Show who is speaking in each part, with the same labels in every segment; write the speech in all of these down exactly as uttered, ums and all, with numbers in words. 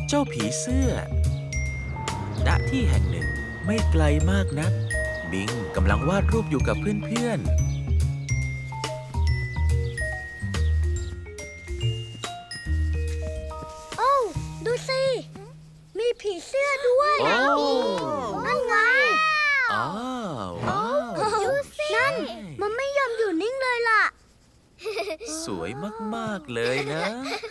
Speaker 1: เจ้าผีเสื้อณที่แห่งหนึ่งไม่ไกลมากนักบิงกำลังวาดรูปอยู่กับเพื่อน
Speaker 2: ๆโอ้ดูสิมีผีเสื้อด้วย
Speaker 1: โอ้
Speaker 2: นั่นไง
Speaker 1: อ้าว
Speaker 2: ดูสินั่นมันไม่ยอมอยู่นิ่งเลยล่ะ
Speaker 1: สวยมากๆเลยนะ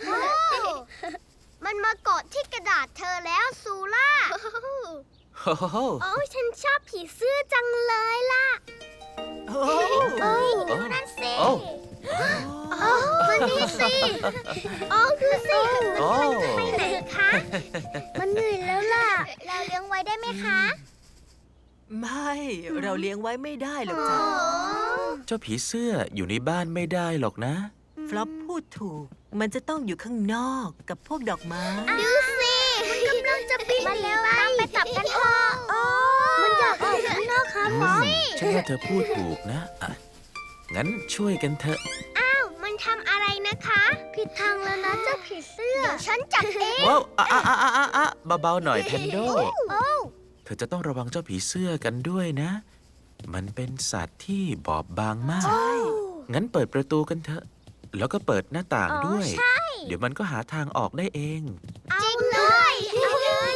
Speaker 2: มันมาเกาะที่กระดาษเธอแล้วซูล่า
Speaker 1: โอ้โห
Speaker 2: โอ้ฉันชอบผีเสื้อจังเลยล่ะ
Speaker 3: โอ้
Speaker 2: โอ้
Speaker 1: โอ้
Speaker 2: นั่นสิ
Speaker 1: โอ้
Speaker 2: โอ้มันนี่สิโอ้ดูสิ
Speaker 1: โอ้
Speaker 2: ไปไหนคะ มันเหนื่อยแล้วล่ะ เราเลี้ยงไว้ได้ไหมคะ
Speaker 3: ไม่เราเลี้ยงไว้ไม่ได้หรอกจ้ะ
Speaker 1: เจ้าผีเสื้ออยู่ในบ้านไม่ได้หรอกนะ
Speaker 3: ฟลอปพูดถูก มันจะต้องอยู่ข้างนอกกับพวกดอกไม้
Speaker 2: ดูสิ มันกำลังจะบินมาแล้วตามไปจับกันเถอะมันอยากออกข้างนอกค่ะ
Speaker 1: อื
Speaker 2: ฟอ
Speaker 1: ม
Speaker 2: ส
Speaker 1: ฉันว่าเธอพูดถูกนะอ่ะงั้นช่วยกันเถอะ
Speaker 2: อ้าว มันทำอะไรนะคะ ผิดทางแล้วนะเจ้าผีเสื้อ เดี๋ยวฉันจับเอง
Speaker 1: ว้าวอ่ะอ่ะอ่ะอ่ะอ่ะเบาๆหน่อยแพนโด
Speaker 2: โอ้
Speaker 1: เธอจะต้องระวังเจ้าผีเสื้อกันด้วยนะ มันเป็นสัตว์ที่บอบบางมาก
Speaker 3: ใช่
Speaker 1: งั้นเปิดประตูกันเถอะ แล้วก็เปิดหน้าต่างด้วย เดี๋ยวมันก็หาทางออกได้เอง
Speaker 2: จริงด้วยเอาเลย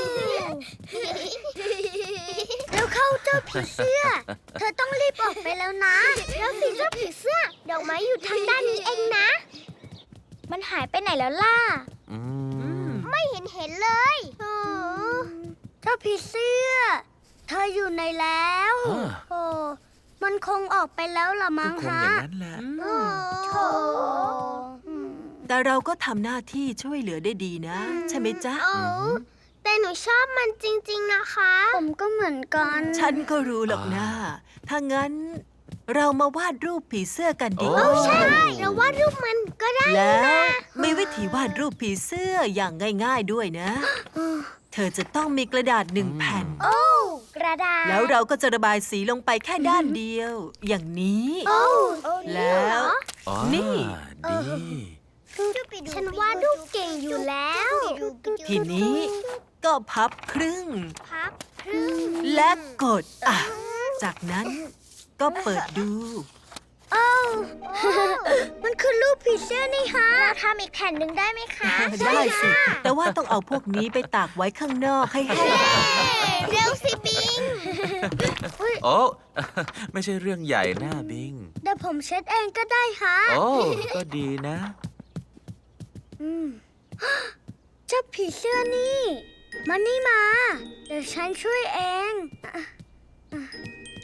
Speaker 2: แล้วเข้าเจ้าผีเสื้อ เธอต้องรีบออกไปแล้วนะ แล้วสิเจ้าผีเสื้อ ดอกไม้อยู่ทางด้านนี้เองนะ มันหายไปไหนแล้วล่ะ
Speaker 1: อืม
Speaker 2: ไม่เห็นเห็นเลยเจ้าผีเสื้อ เธออยู่ไหนแล้ว
Speaker 1: อ่า
Speaker 2: โอ้มันคงออกไปแล้วละ
Speaker 1: ก็
Speaker 2: มั้ง
Speaker 1: คง
Speaker 2: ฮะ
Speaker 1: อย่างนั้นแหละ
Speaker 3: อืม
Speaker 2: โถ
Speaker 3: แต่เราก็ทำหน้าที่ช่วยเหลือได้ดีนะ ใช่ไหมจ๊ะ
Speaker 2: โอ้แต่หนูชอบมันจริงๆนะคะ ผมก็เหมือนกัน
Speaker 3: ฉันก็รู้หรอกนะ ถ้างั้นเรามาวาดรูปผีเสื้อกันดีก
Speaker 1: โอ้
Speaker 3: ว่า
Speaker 2: ใช่เราวาดรูปมันก็ได้
Speaker 3: แล้วมีวิธีวาดรูปผีเสื้ออย่างง่ายๆด้วยนะ เธอจะต้องมีกระดาษหนึ่งแผ่น
Speaker 2: โอ้กระดาษ
Speaker 3: แล้วเราก็จะระบายสีลงไปแค่ด้านเดียว อย่างนี้
Speaker 2: โอ้
Speaker 3: แล้ว
Speaker 1: อ๋อ
Speaker 3: นี่
Speaker 1: ดี
Speaker 2: ฉันวาดรูปเก่งอยู่แล้ว
Speaker 3: ทีนี้ก็พับครึ่ง
Speaker 2: พับครึ่ง
Speaker 3: และกดอ่ะ จากนั้นก็เปิดดู
Speaker 2: โอ้มันคือรูปผีเสื้อนี่ฮะเราทำอีกแผ่นหนึ่งได้ไหมคะ
Speaker 3: ได้สิ แต่ว่าต้องเอาพวกนี้ไปตากไว้ข้างนอกให้แห้ง
Speaker 2: เร็วสิบิง
Speaker 1: โอ้ ไม่ใช่เรื่องใหญ่นะบิง
Speaker 2: เดี๋ยวผมเช็ดเองก็ได้ฮะ
Speaker 1: โอ้ ก็ดีนะ
Speaker 2: อืมเจ้าผีเสื้อนี่มานี่มา เดี๋ยวฉันช่วยเองอ่ะอ่ะ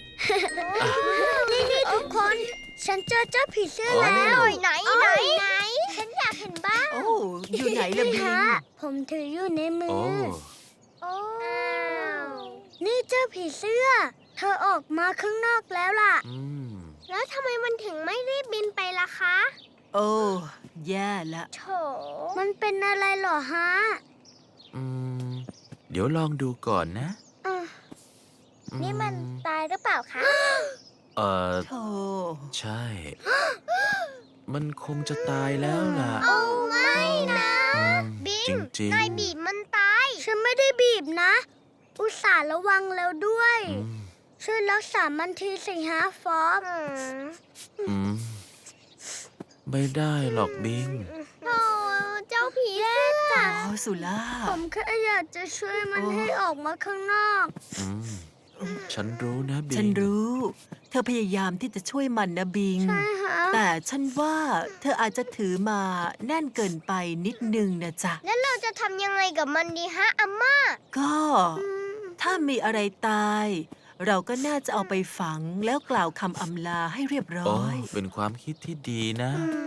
Speaker 2: นี่นี่ทุกคน ฉันเจอเจ้าผีเสื้อแล้ว
Speaker 1: โอ้
Speaker 2: ไหนไหนไหน ฉันอยากเห็นบ้าง
Speaker 3: โอ้ อยู่ไหนล่ะบิง
Speaker 2: ฮะผมถืออยู่ในมื
Speaker 1: โอ้
Speaker 2: อ โอ้นี่เจ้าผีเสื้อ เธอออกมาข้างนอกแล้วล่ะ
Speaker 1: อืม
Speaker 2: แล้วทำไมมันถึงไม่รีบบินไปล่ะคะ
Speaker 3: โอ้ แย่ละ
Speaker 2: โถ มันเป็นอะไรเหรอฮะ
Speaker 1: อืม เดี๋ยวลองดูก่อนนะ
Speaker 2: อ่ะ
Speaker 1: อื
Speaker 2: นี่มันตายหรือเปล่าคะ
Speaker 1: เออ
Speaker 3: โธ่
Speaker 1: ใช่ มันคงจะตายแล้วล่ะ
Speaker 2: โอ้ไม่นะ
Speaker 1: อืม
Speaker 2: บิง
Speaker 1: จริงๆ
Speaker 2: นายบีบมันตาย ฉันไม่ได้บีบนะ อุตส่าห์ระวังแล้วด้วย
Speaker 1: อืม
Speaker 2: ช่วยรักษามันทีสิฮะฟอบ
Speaker 1: อืม ไม่ได้หรอกบิง
Speaker 2: โอ้เจ้าผีเสื้อ
Speaker 3: โอ้สุล่า
Speaker 2: ผมแค่อยากจะช่วยมัน
Speaker 3: โอ้
Speaker 2: ให้ออกมาข้างนอก
Speaker 1: อืม ฉันรู้นะบิง
Speaker 3: ฉันรู้ เธอพยายามที่จะช่วยมันนะบิง
Speaker 2: ใช่ฮะ
Speaker 3: แต่ฉันว่าเธออาจจะถือมาแน่นเกินไปนิดนึงนะจ๊ะ
Speaker 2: แล้วเราจะทำยังไงกับมันดีฮะอาม่า
Speaker 3: ก็ถ้ามีอะไรตาย เราก็น่าจะเอาไปฝังแล้วกล่าวคำอำลาให้เรียบร้
Speaker 1: โอ้
Speaker 3: อย
Speaker 1: เป็นความคิดที่ดีนะ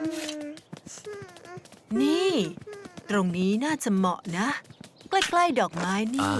Speaker 3: นี่ ตรงนี้น่าจะเหมาะนะ ใกล้ๆดอกไม้
Speaker 1: อ่า
Speaker 3: นี่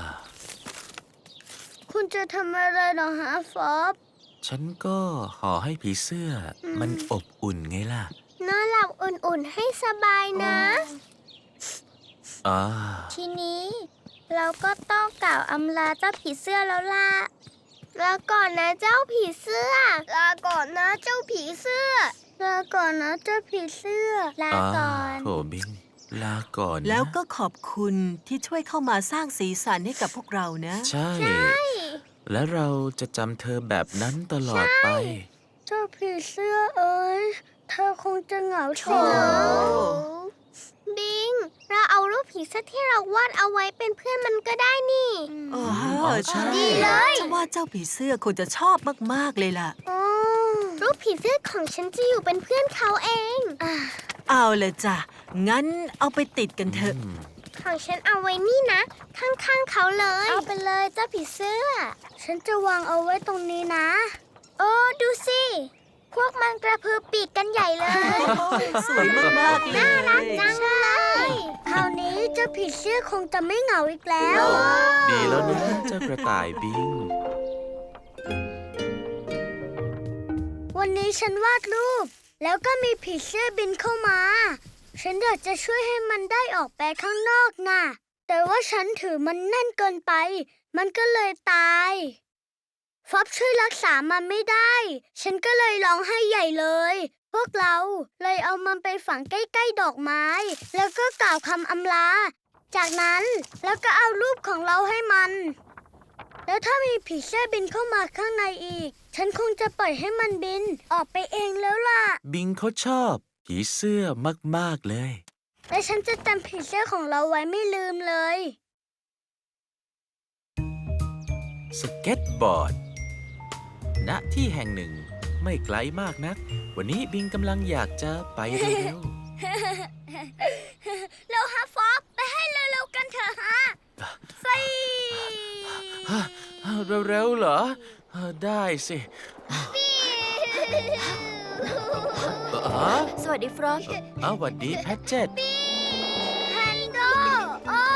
Speaker 2: คุณจะทำอะไรเหรอฮะฟอบ
Speaker 1: ฉันก็ห่อให้ผีเสื้ออมันอบอุ่นไงล่ะ
Speaker 2: นอนหลับอุ่นๆให้สบายนะ
Speaker 1: อ่า
Speaker 2: ทีนี้ เราก็ต้องกล่าวอำลาเจ้าผีเสื้อแล้วล่ะ ลาก่อนนะเจ้าผีเสื้อ ลาก่อนนะเจ้าผีเสื้อ ลาก่อนนะเจ้าผีเสื้อ ลา
Speaker 1: อ่า
Speaker 2: ก่อน
Speaker 1: โถบิงลาก่อนนะ
Speaker 3: แล้วก็ขอบคุณที่ช่วยเข้ามาสร้างสีสันให้กับพวกเรานะ
Speaker 1: ใช่ และเราจะจำเธอแบบนั้นตลอดไป
Speaker 2: เจ้าผีเสื้อเอ้ยเธอคงจะเหงา
Speaker 3: โธ่
Speaker 2: เชียวบิง เราเอารูปผีเสื้อที่เราวาดเอาไว้เป็นเพื่อนมันก็ได้นี่
Speaker 3: อ๋อ
Speaker 1: อ๋อใช่
Speaker 3: ดีเลยฉันว่าเจ้าผีเสื้อคงจะชอบมากๆเลยล่ะ
Speaker 2: อ๋อ รูปผีเสื้อของฉันจะอยู่เป็นเพื่อนเขาเองอ่ะ
Speaker 3: เอาเลยจ้ะ งั้นเอาไปติดกันเถอะ
Speaker 1: อืม
Speaker 2: ของฉันเอาไว้นี่นะ ข้างๆเขาเลย เอาไปเลยเจ้าผีเสื้อ ฉันจะวางเอาไว้ตรงนี้นะ โอ้ดูสิ พวกมันกระพือปีกกันใหญ่เลย
Speaker 3: สวยมากๆเลย
Speaker 2: น่ารักจังเลยคราวนี้เจ้าผีเสื้อคงจะไม่เหงาอีกแล้ว
Speaker 1: ดีแล้วนะเจ้ากระต่ายบิง
Speaker 2: วันนี้ฉันวาดรูป แล้วก็มีผีเสื้อบินเข้ามา ฉันอยากจะช่วยให้มันได้ออกไปข้างนอกน่ะ แต่ว่าฉันถือมันแน่นเกินไป มันก็เลยตายฟอบช่วยรักษามันไม่ได้ ฉันก็เลยร้องไห้ใหญ่เลย พวกเราเลยเอามันไปฝังใกล้ๆดอกไม้ แล้วก็กล่าวคำอำลา จากนั้นแล้วก็เอารูปของเราให้มัน แล้วถ้ามีผีเสื้อบินเข้ามาข้างในอีก ฉันคงจะปล่อยให้มันบินออกไปเองแล้วล่ะ
Speaker 1: บิงเขาชอบผีเสื้อมากๆเลย
Speaker 2: และฉันจะจำผีเสื้อของเราไว้ไม่ลืมเลย
Speaker 1: สเก็ตบอร์ด ณ ที่แห่งหนึ่งไม่ไกลมากนัก วันนี้บิงกำลังอยากจะไปเร็ว
Speaker 2: เราฮะฟอบไปให้เร็วๆกันเถอะฮะไฟ
Speaker 1: ๆฮะเร็วๆเหรอเออได้สิเออ
Speaker 4: สวัสดีฟรอก
Speaker 1: เอาหวัดดีแพทเจ็ต
Speaker 2: แพนโดโอ้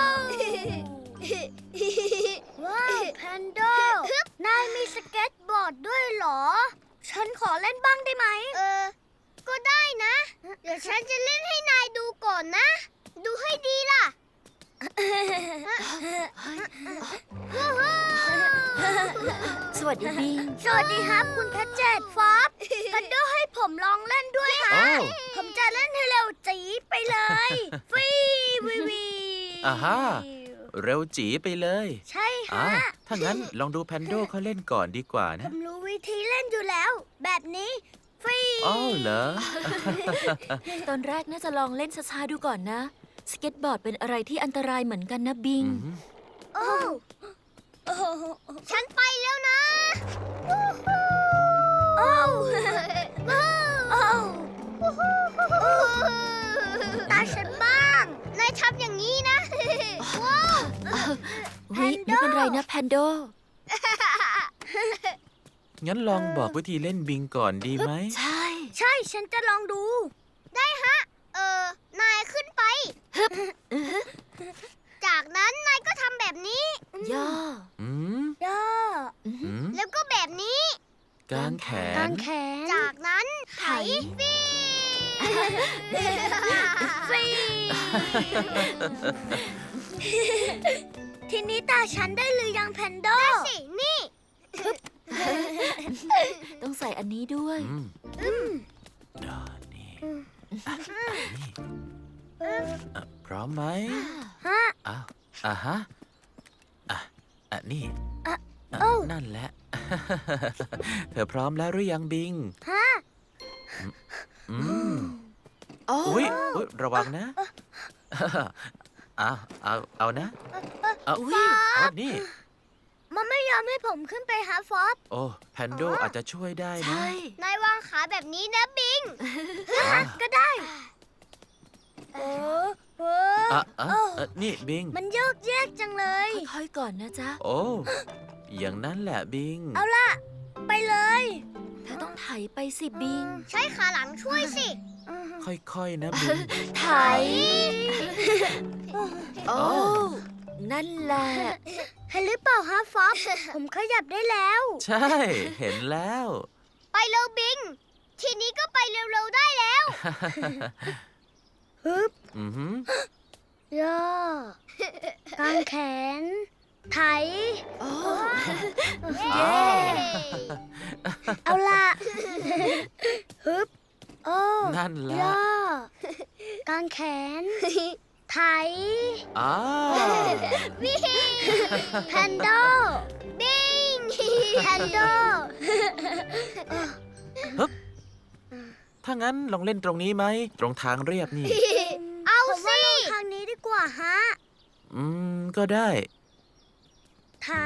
Speaker 2: ว้าวแพนโดนายมีสเก็ตบอร์ดด้วยเหรอ ฉันขอเล่นบ้างได้ไหม เออ ก็ได้นะ เดี๋ยวฉันจะเล่นให้นายดูก่อนนะ ดูให้ดีล่ะ
Speaker 4: สวัสดีบิง
Speaker 2: สวัสดีครับคุณแพทเจตฟอบแพนโดให้ผมลองเล่นด้วยฮะ
Speaker 1: อ้าว
Speaker 2: ผมจะเล่นให้เร็วจีดไปเลยฟีวีวี
Speaker 1: อ่าฮะ เร็วจีไปเลย
Speaker 2: ใช่
Speaker 1: อ้า
Speaker 2: ฮะ
Speaker 1: วถ้างั้นลองดูแพนโดเขาเล่นก่อนดีกว่า
Speaker 2: ผ
Speaker 1: นะ
Speaker 2: มรู้วิธีเล่นอยู่แล้ว แบบนี้ฟรี
Speaker 1: อ้าวเหรอ
Speaker 4: ตอนแรกน่าจะลองเล่นช้าๆดูก่อนนะ สเก็ตบอร์ดเป็นอะไรที่อันตรายเหมือนกันนะบิง
Speaker 1: อืม
Speaker 2: โอ้โอ้ฉันไปแล้วนะโอ้โอ้ตาฉันบ้าง นายทำอย่างนี้นะ ว้าว
Speaker 4: วิไม่เป็นไรนะแพนโด
Speaker 1: งั้นลองบอกวิธีเล่นบิงก่อนดีไหม
Speaker 4: ใช่
Speaker 2: ใช่ ฉันจะลองดู ได้ฮะ เออ นายขึ้นไป จากนั้นนายก็ทำแบบนี้
Speaker 4: ย่อ
Speaker 1: อืม
Speaker 2: ย่อ
Speaker 4: อือ
Speaker 1: อื
Speaker 4: หือ
Speaker 1: ม
Speaker 2: แล้วก็แบบนี้
Speaker 1: กางแข
Speaker 2: กาน งแขน จากนั้นไถฟีฟี ทีนี้ตาฉันได้หรือยังแพนโดได้สิ นี่
Speaker 4: ต้องใส่อันนี้ด้วย
Speaker 1: อืม
Speaker 2: อืม
Speaker 1: ดอนี่อ่ะนี่อ่ะพร้อมไหม
Speaker 2: ฮะ
Speaker 1: อ้าวอ่ะฮะอ่ะอ่ะนี่
Speaker 2: อ่ะ
Speaker 1: อ่ะ
Speaker 2: โอ้
Speaker 1: นั่นแหละ เธอพร้อมแล้วหรือยังบิง
Speaker 2: ฮะ
Speaker 1: อืม
Speaker 4: อ๋อ
Speaker 1: อุ้ยอุ๊ยระวังนะเอาเอาเอานะเอา
Speaker 4: อุ๊ย
Speaker 1: เอานี่
Speaker 2: มันไม่ยอมให้ผมขึ้นไปหาฟอบ
Speaker 1: โอ้แพนโดอาจจะช่วยได้นะ
Speaker 4: ใช่
Speaker 2: นายวางขาแบบนี้นะบิง
Speaker 1: อ่ะ
Speaker 2: ก็ได้โอ้โห
Speaker 1: อ่ะอ่ะเอ่อนี่บิง
Speaker 2: มันโยกแยกจังเลย
Speaker 4: ค่อยๆก่อนนะจ๊ะ
Speaker 1: โอ้ อย่างนั้นแหละบิง
Speaker 2: เอาล่ะ ไปเลย
Speaker 4: เธอต้องไถไปสิบิง
Speaker 2: ใช้ขาหลังช่วยสิ
Speaker 1: ค่อยๆนะบิง
Speaker 4: ไถ โอ้ นั่นแหละ
Speaker 2: เห็นหรือเปล่าฮะฟอบ ผมขยับได้แล้ว
Speaker 1: ใช่ เห็นแล้ว
Speaker 2: ไปเร็วบิง ทีนี้ก็ไปเร็วๆได้แล้วฮึบ
Speaker 1: อือหือ
Speaker 2: ย่อกางแขน ไถ
Speaker 4: โอ้
Speaker 2: เย้เอาล่ะฮึบโอ้
Speaker 1: นั่นแหละ
Speaker 2: ย่อกกางแขน ไถ
Speaker 1: อ้า
Speaker 2: วิ่งแพนโดบิงแพนโด
Speaker 1: ถ้างั้นลองเล่นตรงนี้ไหม ตรงทางเรียบนี่
Speaker 2: เอาสิผมว่าลงทางนี้ดีกว่าฮะ
Speaker 1: อืม ก็ได้
Speaker 2: ไถ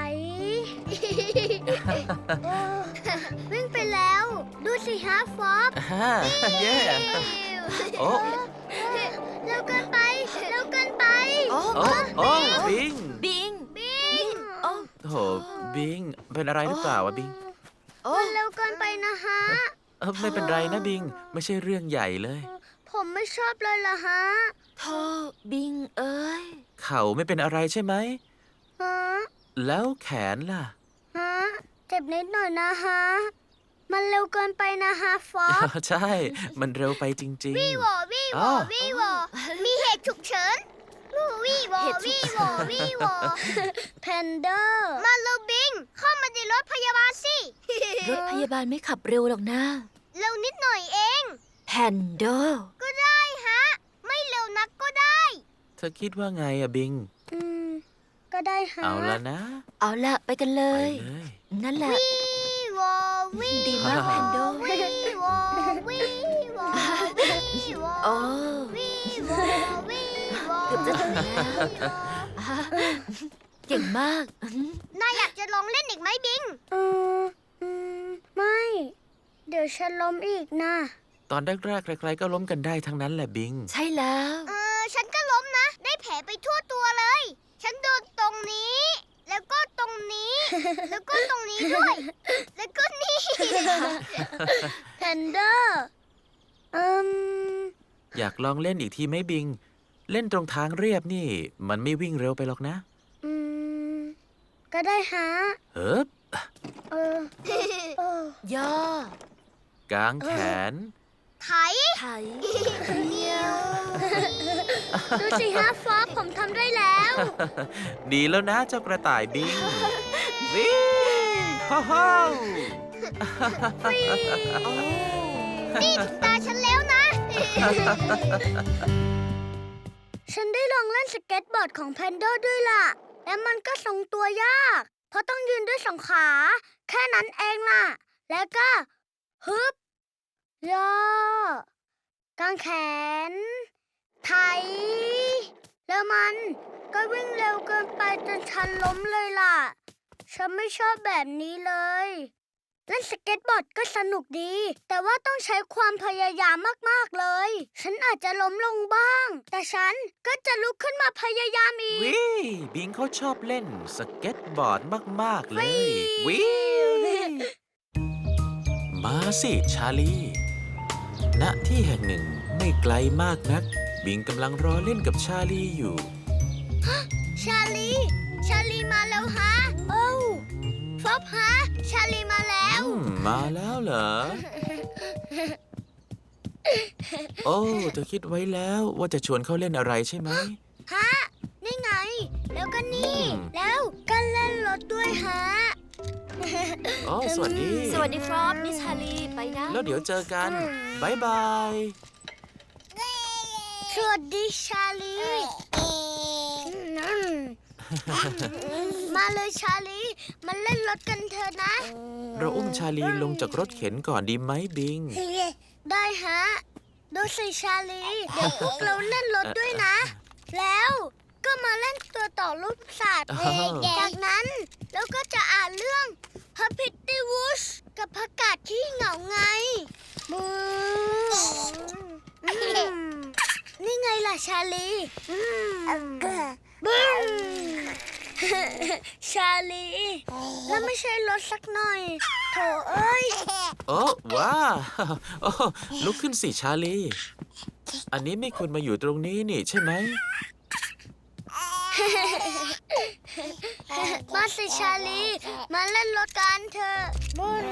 Speaker 2: โอ้วิ่งไปแล้ว ดูสิฮะฟอบ
Speaker 1: ฮ่าเย่ โอ้
Speaker 2: เร็วเกินไปเร็วเกินไป
Speaker 3: โอ้
Speaker 1: โอ้โอ้บิง
Speaker 4: บิง
Speaker 2: บิง
Speaker 4: โอ้
Speaker 1: โถบิง เป็นอะไรหรือเปล่าวะบิง
Speaker 3: โอ้
Speaker 2: มันเร็วเกินไปนะฮะ
Speaker 1: เออไม่เป็นไรนะบิง ไม่ใช่เรื่องใหญ่เลย
Speaker 2: ผมไม่ชอบเลยล่ะฮะ
Speaker 4: โธ่บิงเอ้ย
Speaker 1: เข่าไม่เป็นอะไรใช่ไหม
Speaker 2: ฮะ
Speaker 1: แล้วแขนล่ะ
Speaker 2: ฮะ เจ็บนิดหน่อยนะฮะ มันเร็วเกินไปนะฮะฟอบ
Speaker 1: ใช่ มันเร็วไปจริง
Speaker 2: วี่วอวี่ว
Speaker 1: อ๋
Speaker 2: อ
Speaker 1: อ
Speaker 2: วี่วอมีเหตุฉุกเฉินวี่วอ
Speaker 4: เหตุฉุก
Speaker 2: วี่
Speaker 4: เฉิ
Speaker 2: วอน วี่วอแพนเดอร์ มาเร็วบิง เข้ามาในรถพยาบาลสิ
Speaker 4: รถพยาบาลไม่ขับเร็วหรอกนะ
Speaker 2: เร็วนิดหน่อยเอง
Speaker 4: แพนโด
Speaker 2: ก็ได้ฮะ ไม่เร็วนักก็ได้
Speaker 1: ๆ เธอคิดว่าไงอะบิง
Speaker 2: อืม ก็ได้ฮะ
Speaker 1: เอาละนะ
Speaker 4: เอาละไปกันเล
Speaker 1: ไป
Speaker 4: ย
Speaker 1: เลย
Speaker 4: นั่นแหละ
Speaker 2: วี่วอวี่
Speaker 4: ดีมากแพนโด
Speaker 2: วี่วอวี่วอวี่วอ
Speaker 4: โอ้
Speaker 2: วี่วอวี่วอ
Speaker 4: เกือบจะถึงแล้วอ่ะเก่งมาก
Speaker 2: นายอยากจะลองเล่นอีกไหมบิงอืมอืมไม่ เดี๋ยวฉันล้มอีกนะ
Speaker 1: ตอนแรกๆใครๆก็ล้มกันได้ทั้งนั้นแหละบิง
Speaker 4: ใช่แล้ว
Speaker 2: เออ ฉันก็ล้มนะ ได้แผลไปทั่วตัวเลย ฉันโดนตรงนี้ แล้วก็ตรงนี้ แล้วก็ตรงนี้ด้วย แล้วก็นี่แพนเดอร์อืม
Speaker 1: อยากลองเล่นอีกทีไหมบิง เล่นตรงทางเรียบนี่ มันไม่วิ่งเร็วไปหรอกนะ
Speaker 2: อืม ก็ได้ฮะ
Speaker 1: เฮ้บ
Speaker 2: เออ เออ
Speaker 4: ย่อ
Speaker 1: กางแขน
Speaker 2: ไถ
Speaker 4: ไถ
Speaker 2: เดียว ดูสิฮะฟอบผมทำได้แล้ว
Speaker 1: ดีแล้วนะเจ้ากระต่ายบิง วิ่งฮ่าฮ่า
Speaker 4: โอ้
Speaker 2: นี่ถึงตาฉันแล้วนะ ฉันได้ลองเล่นสเก็ตบอร์ดของแพนโดด้วยล่ะ และมันก็ทรงตัวยาก เพราะต้องยืนด้วยสองขา แค่นั้นเองล่ะ แล้วก็ฮึบย่อกางแขน ไถ แล้วมันก็วิ่งเร็วเกินไปจนฉันล้มเลยล่ะ ฉันไม่ชอบแบบนี้เลย เล่นสเก็ตบอร์ดก็สนุกดี แต่ว่าต้องใช้ความพยายามมากๆเลย ฉันอาจจะล้มลงบ้าง แต่ฉันก็จะลุกขึ้นมาพยายามอีก
Speaker 1: วิบิงเขาชอบเล่นสเก็ตบอร์ดมาก ๆ เลย วิมาสิชาลี ณ ที่แห่งหนึ่งไม่ไกลมากนัก บิงกำลังรอเล่นกับชาลีอยู่
Speaker 2: ชาลี ชาลีมาแล้วฮะ โอ้วฟอบฮะ ชาลีมาแล้ว
Speaker 1: อืมมาแล้วเหรอ โอ้เธอคิดไว้แล้วว่าจะชวนเขาเล่นอะไรใช่ไหม
Speaker 2: ฮะ นี่ไง แล้วก็นี่
Speaker 1: อืม
Speaker 2: แล้วก็เล่นรถด้วยฮะ
Speaker 1: โอ้สวัสดี
Speaker 4: สวัสดีฟรอปนิชาลีไปนะ
Speaker 1: แล้วเดี๋ยวเจอกันบายบาย
Speaker 2: สวัสดีชาลีอืมมาเลยชาลี มาเล่นรถกันเถอะนะ
Speaker 1: เราอุ้มชาลีลงจากรถเข็นก่อนดีไหมบิง
Speaker 2: ได้ฮะ ดูสิชาลี เดี๋ยวพวกเราเล่นรถด้วยนะ แล้วก็มาเล่นตัวต่อรูปสัตว์
Speaker 1: อ้าว
Speaker 2: จากนั้นแล้วก็จะอ่านเรื่องพระพิตติวูชกับพระกาศที่เหงาไงมืออืมนี่ไงล่ะชาลีอืมบึ้มชาลี แล้วไม่ใช่รถสักหน่อย โถเอ้ย
Speaker 1: โอ้ว้าว โอ้ลุกขึ้นสิชาลี อันนี้ไม่ควรมาอยู่ตรงนี้นี่ใช่ไหม
Speaker 2: มาสิชาลี มาเล่นรถกันเถอะบุญ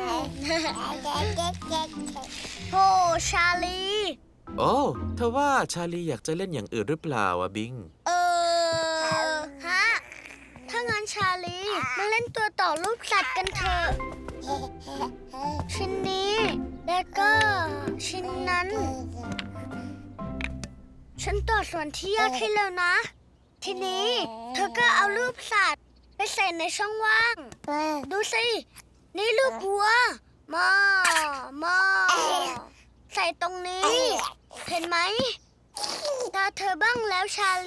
Speaker 2: โอ้ชาลี
Speaker 1: โอ้เธอว่าชาลีอยากจะเล่นอย่างอื่นหรือเปล่าอะบิง
Speaker 2: เออ ฮะ ถ้างั้นชาลี มาเล่นตัวต่อรูปสัตว์กันเถอะ ชิ้นนี้ แล้วก็ชิ้นนั้นฉันต่อส่วนที่ยากให้แล้วนะ ทีนี้เธอก็เอารูปสัตว์ไปใส่ในช่องว่าง ดูสิ นี่รูปวัวมอมอใส่ตรงนี้ เห็นไหมตาเธอบ้างแล้วชาลี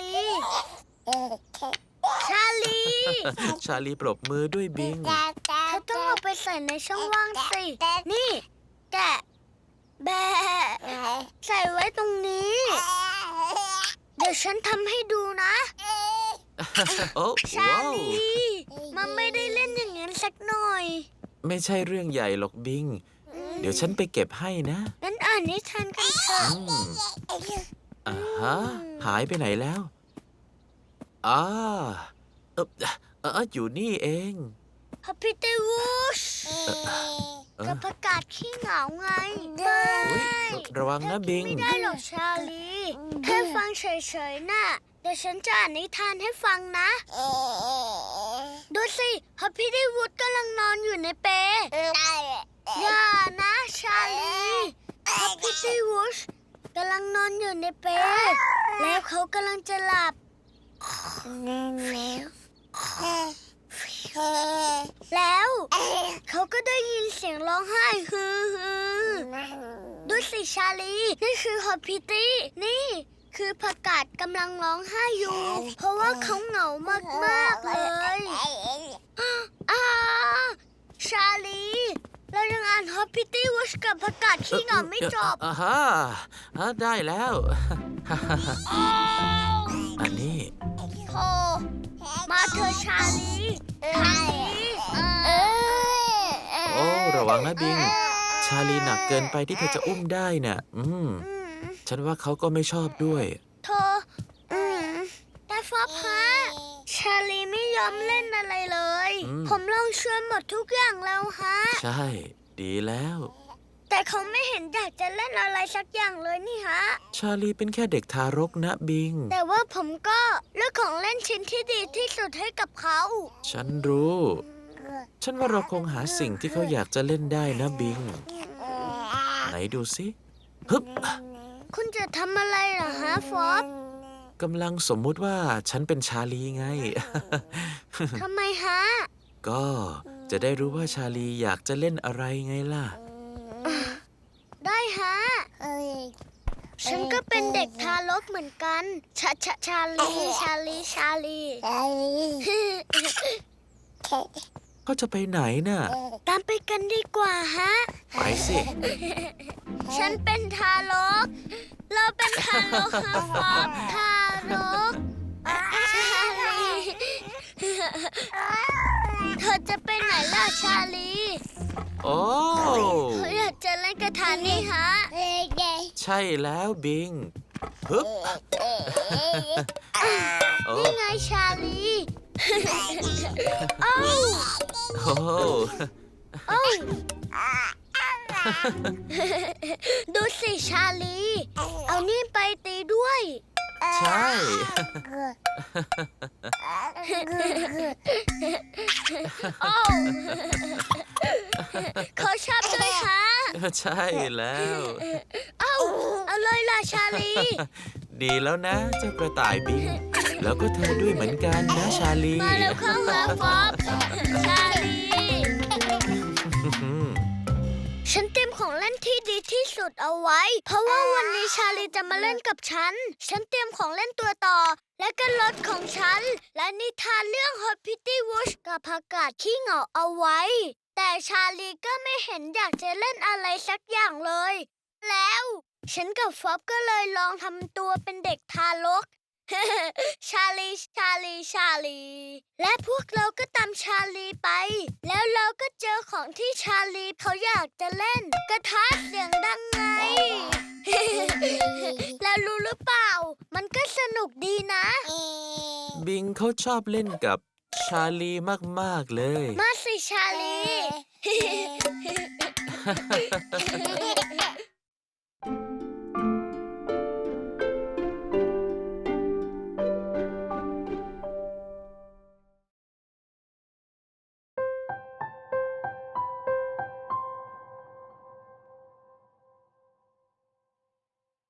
Speaker 2: ชาลี
Speaker 1: ชาลีปรบมือด้วยบิง
Speaker 2: เธอต้องเอาไปใส่ในช่องว่างสิ นี่ แกะ แบะใส่ไว้ตรงนี้ เดี๋ยวฉันทำให้ดูนะ
Speaker 1: โอ้
Speaker 2: ชา
Speaker 1: ว้าว
Speaker 2: ลี มันไม่ได้เล่นอย่างนั้นสักหน่อย
Speaker 1: ไม่ใช่เรื่องใหญ่หรอกบิง เดี๋ยวฉันไปเก็บให้นะ
Speaker 2: งั้นอ่านนิทานกันเถอะ
Speaker 1: อืมอ่าฮะ หายไปไหนแล้วอ่าเออเอออยู่นี่เอง
Speaker 2: ฮัปปี้เตวูช
Speaker 1: เออ
Speaker 2: กับประกาศขี้เหงาไงไม่
Speaker 1: อุ๊ยระวังนะบิง
Speaker 2: ไม่ได้หรอกชาลี แค่ฟังเฉยๆน่ะ เดี๋ยวฉันจะอ่านนิทานให้ฟังนะ ดูสิฮัปปี้เตวูชกำลังนอนอยู่ในเปลอย่านะชาลีฮัปปี้เตวูชกำลังนอนอยู่ในเปลแล้วเขากำลังจะหลับ แล้วเขาก็ได้ยินเสียงร้องไห้ฮือฮือดูสิชาลี นี่คือฮอปพิตี้นี่ คือผักกาดกำลังร้องไห้อยู่ เพราะว่าเขาเหงามากๆเลยอาชาลี เรายังอ่านฮอปพิตี้วอชกับผักกาดขี้เหงาไม่จบ
Speaker 1: อ่าฮะฮะได้แล้ว อันนี้
Speaker 2: โธ่มาเธอะชาลีชาลี
Speaker 1: โอ้ ระวังนะบิง ชาลีหนักเกินไปที่เธอจะอุ้มได้น่ะ อืม
Speaker 2: อืม
Speaker 1: ฉันว่าเขาก็ไม่ชอบด้วย
Speaker 2: โธ่อืมแต่ฟอบฮะชาลีไม่ยอมเล่นอะไรเลย
Speaker 1: อืม
Speaker 2: ผมลองชวนหมดทุกอย่างแล้วฮะ
Speaker 1: ใช่ ดีแล้ว
Speaker 2: แต่เขาไม่เห็นอยากจะเล่นอะไรสักอย่างเลยนี่ฮะ
Speaker 1: ชาลีเป็นแค่เด็กทารกนะบิง
Speaker 2: แต่ว่าผมก็เลือกของเล่นชิ้นที่ดีที่สุดให้กับเขา
Speaker 1: ฉันรู้ ฉันว่าเราคงหาสิ่งที่เขาอยากจะเล่นได้นะบิง ไหนดูสิฮึบ
Speaker 2: คุณจะทำอะไรเหรอฮะฟอบ
Speaker 1: กำลังสมมุติว่าฉันเป็นชาลีไง
Speaker 2: ทำไมฮะ
Speaker 1: ก็จะได้รู้ว่าชาลีอยากจะเล่นอะไรไงล่ะ
Speaker 2: ได้ฮะ ฉันก็เป็นเด็กทารกเหมือนกัน ชาชาชาลี ชาลี ชาลี
Speaker 1: เขาจะไปไหนน่ะ
Speaker 2: ตามไปกันดีกว่าฮะ
Speaker 1: ไปสิ
Speaker 2: ฉันเป็นทารก เราเป็นทารกฮะฟอบทารก ชาลี เธอจะไปไหนล่ะชาลี
Speaker 1: โอ้
Speaker 2: เธออยากจะเล่นกระถางนี่ฮะ
Speaker 1: ใช่แล้วบิงฮึบโอ้
Speaker 2: นี่ไงชาลี เอ้า
Speaker 1: โอ้
Speaker 2: เอ้าดูสิชาลี เอานี่ไปตีด้วย
Speaker 1: ใช่
Speaker 2: โอ้เขาชอบด้วยฮะ
Speaker 1: ใช่แล้ว
Speaker 2: เอ้าเอาเลยล่ะชาลี
Speaker 1: ดีแล้วนะเจ้ากระต่ายบิง แล้วก็เธอด้วยเหมือนกันนะชาลี
Speaker 2: มาแล้วเข้ามาฟอบชาลี ฉันเตรียมของเล่นที่ดีที่สุดเอาไว้ เพราะว่าวันนี้ชาลีจะมาเล่นกับฉัน ฉันเตรียมของเล่นตัวต่อ และก็รถของฉัน และนิทานเรื่อง Hot Pitty Woods กับผักกาดขี้เหงาเอาไว้ แต่ชาลีก็ไม่เห็นอยากจะเล่นอะไรสักอย่างเลย แล้ว ฉันกับฟอบก็เลยลองทำตัวเป็นเด็กทารก ชาลี ชาลี ชาลี และพวกเราก็ตามชาลีไป แล้วเราก็เจอของที่ชาลีเขาอยากจะเล่น กระทะเสียงดังไง แล้วรู้หรือเปล่า มันก็สนุกดีนะ
Speaker 1: บิงเขาชอบเล่นกับชาลีมาก ๆ เลย
Speaker 2: มาสิชาลี